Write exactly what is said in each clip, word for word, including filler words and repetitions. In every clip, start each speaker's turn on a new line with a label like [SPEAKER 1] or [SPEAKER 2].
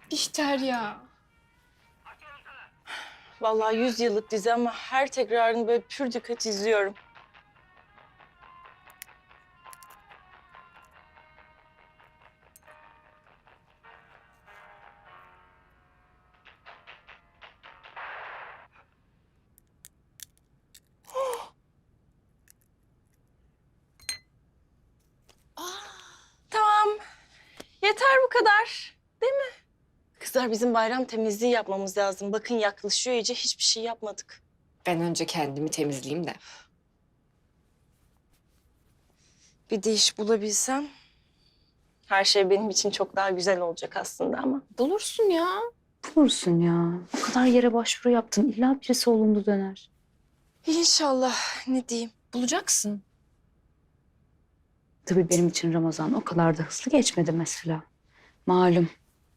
[SPEAKER 1] Bihter ya.
[SPEAKER 2] Vallahi yüz yıllık dizi ama her tekrarını böyle pür dikkat izliyorum. Tamam. Yeter bu kadar. Değil mi? Kızlar bizim bayram temizliği yapmamız lazım. Bakın yaklaşıyor iyice hiçbir şey yapmadık.
[SPEAKER 1] Ben önce kendimi temizleyeyim de.
[SPEAKER 2] Bir de iş bulabilsem her şey benim için çok daha güzel olacak aslında ama.
[SPEAKER 1] Bulursun ya.
[SPEAKER 3] Bulursun ya. O kadar yere başvuru yaptın. İlla birisi olumlu döner.
[SPEAKER 2] İnşallah ne diyeyim.
[SPEAKER 1] Bulacaksın.
[SPEAKER 3] Tabii benim için Ramazan o kadar da hızlı geçmedi mesela. Malum.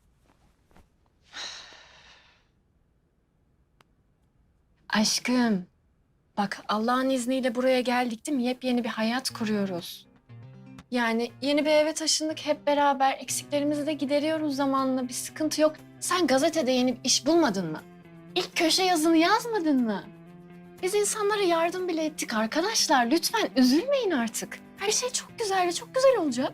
[SPEAKER 1] Aşkım. Bak Allah'ın izniyle buraya geldik değil mi? Yepyeni bir hayat kuruyoruz. Yani yeni bir eve taşındık hep beraber. Eksiklerimizi de gideriyoruz zamanla. Bir sıkıntı yok. Sen gazetede yeni bir iş bulmadın mı? İlk köşe yazını yazmadın mı? Biz insanlara yardım bile ettik arkadaşlar. Lütfen üzülmeyin artık. Her şey çok güzel ve çok güzel olacak.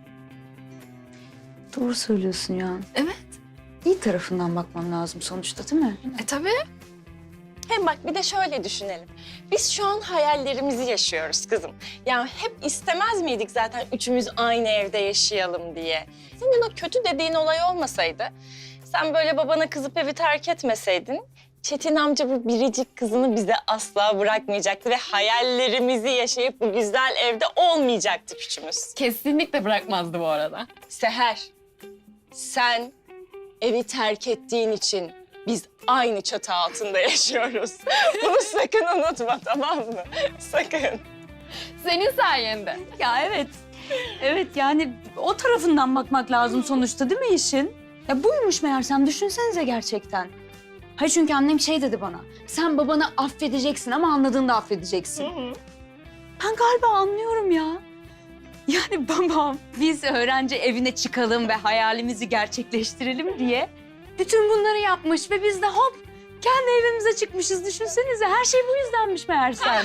[SPEAKER 3] Doğru söylüyorsun ya.
[SPEAKER 1] Evet.
[SPEAKER 3] İyi tarafından bakmam lazım sonuçta değil mi?
[SPEAKER 1] E tabii.
[SPEAKER 2] Hem bak bir de şöyle düşünelim. Biz şu an hayallerimizi yaşıyoruz kızım. Yani hep istemez miydik zaten üçümüz aynı evde yaşayalım diye. Senin o kötü dediğin olay olmasaydı, sen böyle babana kızıp evi terk etmeseydin, Çetin amca bu biricik kızını bize asla bırakmayacaktı ve hayallerimizi yaşayıp bu güzel evde olmayacaktık üçümüz.
[SPEAKER 1] Kesinlikle bırakmazdı bu arada.
[SPEAKER 2] Seher, sen evi terk ettiğin için biz aynı çatı altında yaşıyoruz. Bunu sakın unutma, tamam mı? Sakın.
[SPEAKER 1] Senin sayende.
[SPEAKER 3] Ya evet. Evet yani o tarafından bakmak lazım sonuçta değil mi işin? Ya buymuş meğersem düşünsenize gerçekten. Hayır çünkü annem şey dedi bana. Sen babanı affedeceksin ama anladığında affedeceksin. Ben galiba anlıyorum ya. Yani babam biz öğrenci evine çıkalım ve hayalimizi gerçekleştirelim diye bütün bunları yapmış ve biz de hop kendi evimize çıkmışız. Düşünsenize her şey bu yüzdenmiş meğersem.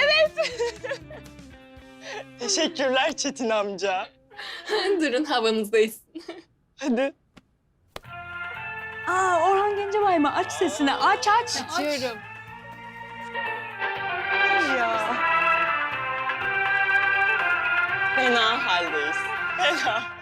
[SPEAKER 2] Teşekkürler Çetin amca.
[SPEAKER 1] Durun havanızdayız.
[SPEAKER 2] Hadi.
[SPEAKER 3] Aa Orhan Gencebay mı? Aç sesini aç aç.
[SPEAKER 1] Açıyorum.
[SPEAKER 2] Ya. Fena haldeyiz. Fena.